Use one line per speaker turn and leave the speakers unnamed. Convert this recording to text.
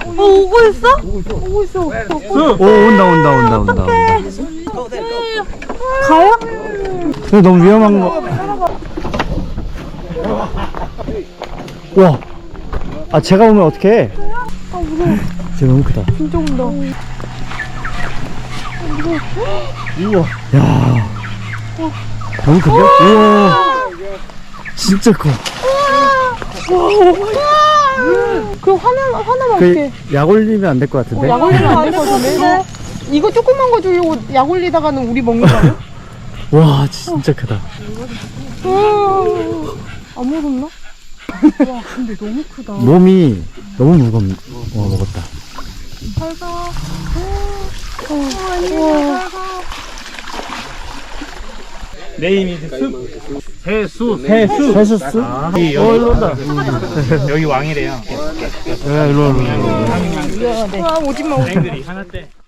오고 있어? 오고 있어.
오, 온다.
가요?
근데 너무 위험한 거. 와. 아, 제가 오면 어떡해?
아 무서워.
쟤 너무 크다.
진짜 온다.
우와. 야. 너무 큰데? 우와. 진짜 커.
그럼 화나면
그,
어떡해?
약 올리면 안 될 것 같은데?
약 올리면 안 될 것 같은데? 이거 조그만 거 주려고 약 올리다가는 우리 먹는 거 아니야?
와, 진짜 크다.
안 무섭나? 와 근데 너무 크다.
몸이 너무 먹었다.
살다. 와.
네임이 해수.
해수스?
여기
일로 온다.
여기 왕이래요.
일로.
와 오지마.
앵들이 하나 때.